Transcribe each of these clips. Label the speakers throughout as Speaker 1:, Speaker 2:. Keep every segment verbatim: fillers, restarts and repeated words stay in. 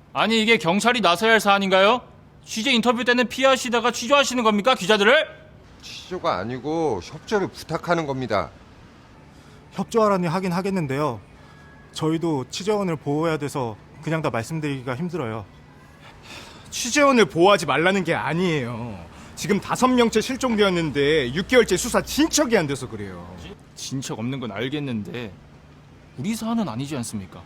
Speaker 1: 아니 이게 경찰이 나서야 할 사안인가요? 취재 인터뷰 때는 피하시다가 취조하시는 겁니까 기자들을?
Speaker 2: 취조가 아니고 협조를 부탁하는 겁니다.
Speaker 3: 협조하라니 하긴 하겠는데요. 저희도 취재원을 보호해야 돼서 그냥 다 말씀드리기가 힘들어요.
Speaker 4: 취재원을 보호하지 말라는 게 아니에요. 지금 다섯 명째 실종되었는데 육 개월째 수사 진척이 안 돼서 그래요.
Speaker 1: 진척 없는 건 알겠는데 우리 사안은 아니지 않습니까?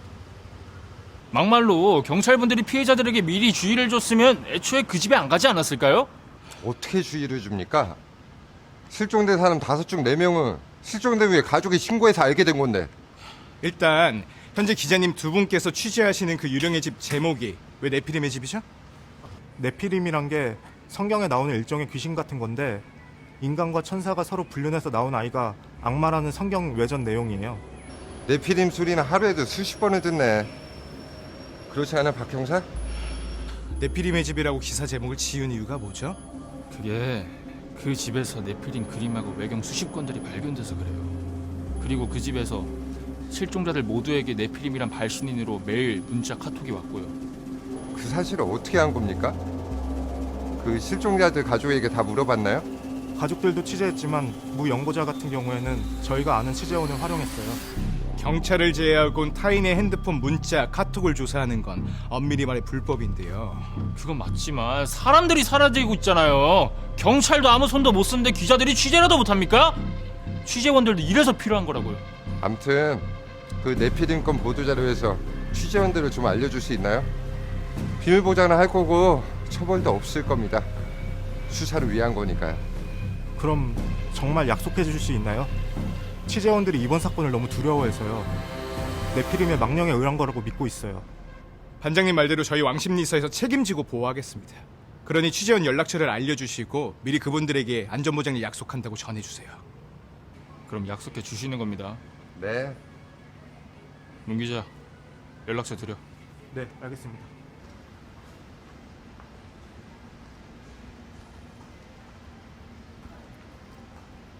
Speaker 1: 막말로 경찰분들이 피해자들에게 미리 주의를 줬으면 애초에 그 집에 안 가지 않았을까요?
Speaker 2: 어떻게 주의를 줍니까? 실종된 사람 다섯 중 네 명은 실종된 후에 가족이 신고해서 알게 된 건데.
Speaker 4: 일단 현재 기자님 두 분께서 취재하시는 그 유령의 집 제목이 왜 네피림의 집이죠?
Speaker 3: 네피림이란 게 성경에 나오는 일종의 귀신 같은 건데 인간과 천사가 서로 불륜해서 나온 아이가 악마라는 성경 외전 내용이에요.
Speaker 2: 네피림 소리는 하루에도 수십 번을 듣네. 그렇지 않아, 박 형사?
Speaker 4: 네피림의 집이라고 기사 제목을 지은 이유가 뭐죠?
Speaker 1: 그게 그 집에서 네피림 그림하고 외경 수십 건들이 발견돼서 그래요. 그리고 그 집에서 실종자들 모두에게 네피림이란 발신인으로 매일 문자 카톡이 왔고요.
Speaker 2: 그 사실을 어떻게 한 겁니까? 그 실종자들 가족에게 다 물어봤나요?
Speaker 3: 가족들도 취재했지만 무 연고자 같은 경우에는 저희가 아는 취재원을 활용했어요.
Speaker 4: 경찰을 제외하곤 타인의 핸드폰 문자, 카톡을 조사하는 건 엄밀히 말해 불법인데요.
Speaker 1: 그건 맞지만 사람들이 사라지고 있잖아요. 경찰도 아무 손도 못 쓰는데 기자들이 취재라도 못합니까? 취재원들도 이래서 필요한 거라고요.
Speaker 2: 암튼 그 네피림 건 보도자료에서 취재원들을 좀 알려줄 수 있나요? 비밀 보장을 할 거고 처벌도 없을 겁니다. 수사를 위한 거니까요.
Speaker 3: 그럼 정말 약속해 주실 수 있나요? 취재원들이 이번 사건을 너무 두려워해서요. 네피림의 망령에 의한 거라고 믿고 있어요.
Speaker 4: 반장님 말대로 저희 왕십리사에서 책임지고 보호하겠습니다. 그러니 취재원 연락처를 알려주시고 미리 그분들에게 안전보장을 약속한다고 전해주세요.
Speaker 1: 그럼 약속해 주시는 겁니다.
Speaker 2: 네.
Speaker 1: 문 기자, 연락처 드려.
Speaker 3: 네, 알겠습니다.